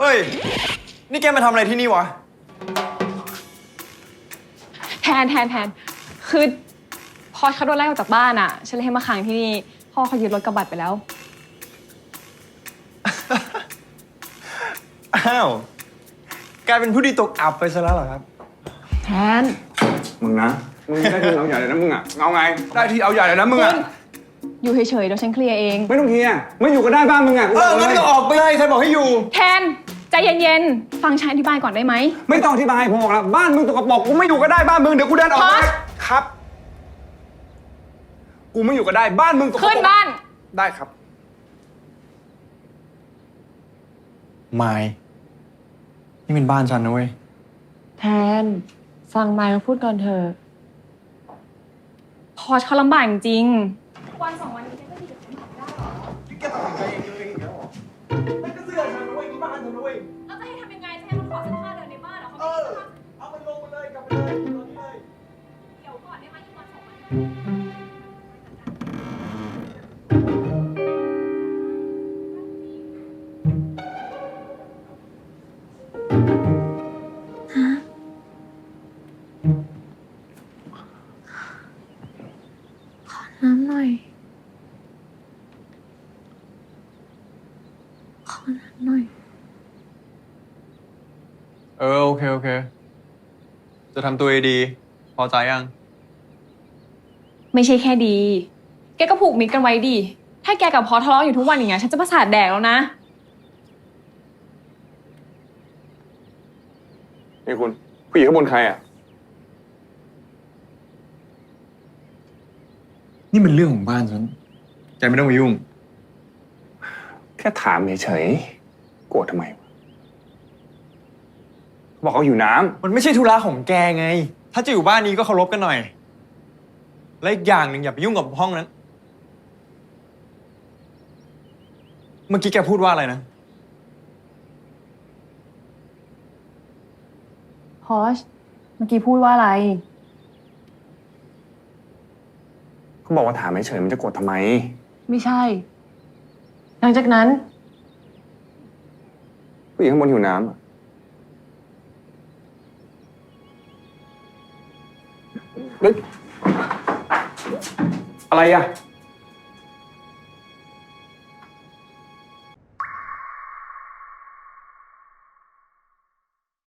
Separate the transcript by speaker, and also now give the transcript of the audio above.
Speaker 1: เฮ้ย นี่แกมาทำอะไรที่นี่วะ
Speaker 2: แทนคือพอเขาโดนไล่ออกจากบ้านอ่ะฉันเลยให้มาค้างที่นี่พ่อเขายึดรถกระบะไปแล้ว
Speaker 1: อ้าวกลายเป็นผู้ดีตกอับไปซะแล้วเหรอครับ
Speaker 2: แทน
Speaker 3: มึงนะ มึงได้ทีเอาใหญ่เลยนะมึงอ่ะ เอาไง ได้ทีเอาใหญ่เลยนะมึงอ่ะ
Speaker 2: อยู่เฉยๆเดี๋ยวฉันเคลียร์เอง
Speaker 3: ไม่ต้องเคลียร์ไม่อยู่ก็ได้บ้านมึงอ่ะ
Speaker 1: งั้นก็ออกไปเลยใครบอกให้อยู่
Speaker 2: แทนใจเย็นๆฟังฉันอธิบายก่อนได้ไหม
Speaker 3: ไม่ต้องอธิบายพอแล้วบ้านมึงตกกระป๋องกูไม่อยู่ก็ได้บ้านมึงเดี๋ยวกูเดินออก
Speaker 2: พอส
Speaker 3: ครับ กูไม่อยู่ก็ได้บ้านมึงตกกระป๋
Speaker 2: ขึ้
Speaker 3: อน ง
Speaker 2: บ้าน
Speaker 3: ได้ครับ
Speaker 1: ไม่ นี่เป็นบ้านฉันนะเว้ย
Speaker 4: แทนฟังไมค์เขาพูดก่อนเถอะ
Speaker 2: พอเขาลำบากจริงวันสองวันนี้ก็ดีกับฉันได้
Speaker 1: แกตัดสินใจเองอีกแล้วเหรอไม่ก็เสื้อฉันนะเว้ยนี่บ้านฉันนะเว้ย
Speaker 2: แล้วจะให้ทำยังไงจะให้มันขอเสื้อผ้าเดินในบ้านเหรอเขา
Speaker 1: เอามันลงมาเลยกลับไปเลยตอนนี้เลย
Speaker 2: เดี๋ยวก่อนได้ไหมอีกวันสองวัน
Speaker 4: น้ำหน่อย ขอน้ำหน่อย
Speaker 1: โอเค จะทำตัวดีพอใจยัง
Speaker 2: ไม่ใช่แค่ดี แกก็ผูกมิตรกันไว้ดิถ้าแกกับพอทะเลาะอยู่ทุกวันอย่างเงี้ยฉันจะประสาทแดกแล้วนะ
Speaker 3: นี่คุณผู้หญิงข้างบนใครอ่ะ
Speaker 1: นี่มันเรื่องของบ้านฉันแกไม่ต้องมายุ่ง
Speaker 3: แค่ถามเฉยๆโกรธทำไมวะเขาบอกเขาอยู่น้ำ
Speaker 1: มันไม่ใช่ธุระของแกไง ถ้าจะอยู่บ้านนี้ก็เคารพกันหน่อย และอีกอย่างหนึ่งอย่าไปยุ่งกับห้องนั้น เมื่อกี้แกพูดว่าอะไรนะ
Speaker 4: พอชเมื่อกี้พูดว่าอะไร
Speaker 3: เขาบอกว่าถามเฉยๆมันจะโกรธทำไม
Speaker 4: ไม่ใช่ หลังจากนั้น
Speaker 3: ผู้หญิงข้างบนหิวน้ำอะเฮ้ยอะไรอ่ะ